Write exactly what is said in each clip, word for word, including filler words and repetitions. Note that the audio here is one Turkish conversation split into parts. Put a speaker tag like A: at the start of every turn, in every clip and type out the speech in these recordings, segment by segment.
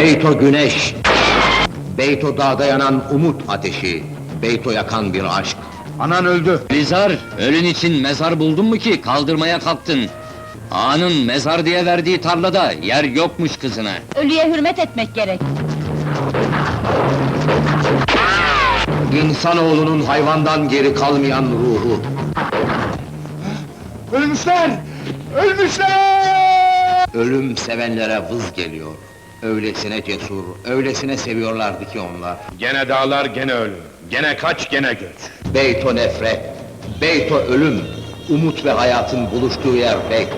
A: Beyto güneş, Beyto dağda yanan umut ateşi, Beyto yakan bir aşk.
B: Anan öldü.
C: Nizar, ölün için mezar buldun mu ki kaldırmaya kalktın? Ağanın mezar diye verdiği tarlada yer yokmuş kızına.
D: Ölüye hürmet etmek gerek.
A: İnsanoğlunun hayvandan geri kalmayan ruhu.
B: Ölmüşler! Ölmüşler!
A: Ölüm sevenlere vız geliyor. Öylesine cesur, öylesine seviyorlardı ki onlar.
E: Gene dağlar, gene ölüm. Gene kaç, gene göç.
A: Beyto nefret, Beyto ölüm, umut ve hayatın buluştuğu yer Beyto.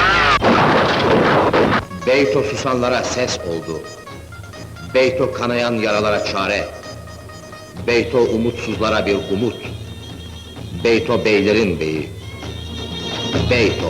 A: Beyto susanlara ses oldu. Beyto kanayan yaralara çare. Beyto umutsuzlara bir umut. Beyto beylerin beyi. Beyto.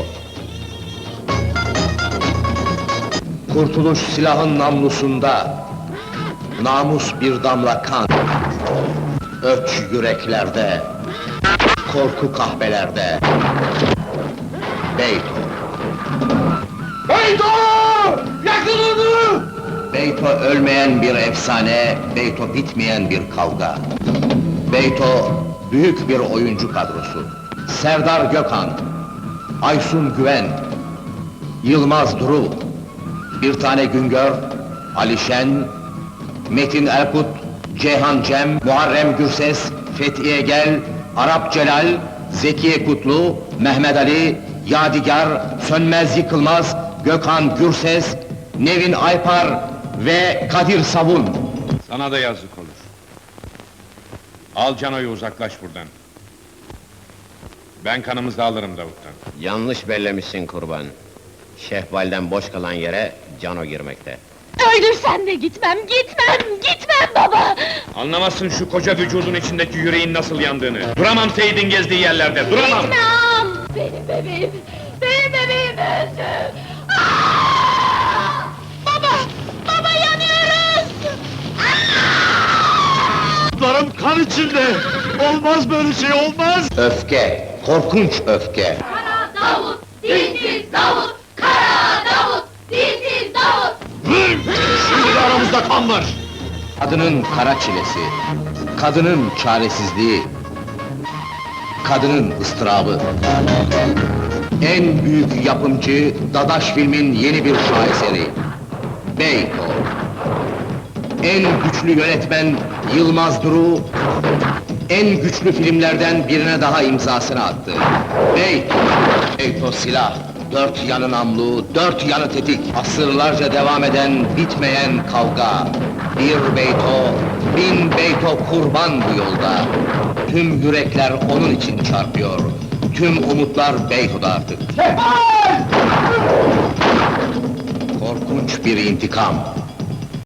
A: Kurtuluş silahın namlusunda. Namus bir damla kan. Öç yüreklerde. Korku kahvelerde. Beyto.
B: Beyto! Yakın onu!
A: Beyto ölmeyen bir efsane, Beyto bitmeyen bir kavga. Beyto büyük bir oyuncu kadrosu. Serdar Gökhan, Aysun Güven, Yılmaz Duru, bir tane Güngör, Ali Şen, Metin Erkut, Ceyhan Cem, Muharrem Gürses, Fethiye Gel, Arap Celal, Zekiye Kutlu, Mehmet Ali, Yadigar, Sönmez Yıkılmaz, Gökhan Gürses, Nevin Aypar ve Kadir Savun.
E: Sana da yazık olur. Al Cano'yu, uzaklaş buradan. Ben kanımızı alırım Davut'tan.
F: Yanlış bellemişsin kurban. Şehbal'den boş kalan yere Cano girmekte.
D: Öldürsen de gitmem, gitmem, gitmem baba!
E: Anlamazsın şu koca vücudun içindeki yüreğin nasıl yandığını. Duramam Seyit'in gezdiği yerlerde, duramam!
D: Gitmem! Benim bebeğim, benim bebeğim öldü! Aa! Baba, baba yanıyoruz!
B: Larım kan içinde! Olmaz böyle şey, olmaz!
A: Öfke, korkunç öfke.
D: Kara Davut, dilsiz Davut! Kara Davut, dilsiz Davut!
B: Şimdi de aramızda kan var!
A: Kadının kara çilesi, kadının çaresizliği, kadının ıstırabı. En büyük yapımcı, Dadaş filmin yeni bir şaheseri. Beyto. En güçlü yönetmen, Yılmaz Duru, en güçlü filmlerden birine daha imzasını attı. Beyto. Beyto silah, dört yanı namlu, dört yanı tetik. Asırlarca devam eden, bitmeyen kavga. Bir Beyto, bin Beyto kurban bu yolda. Tüm yürekler onun için çarpıyor. Tüm umutlar Beyto'da artık. Korkunç bir intikam.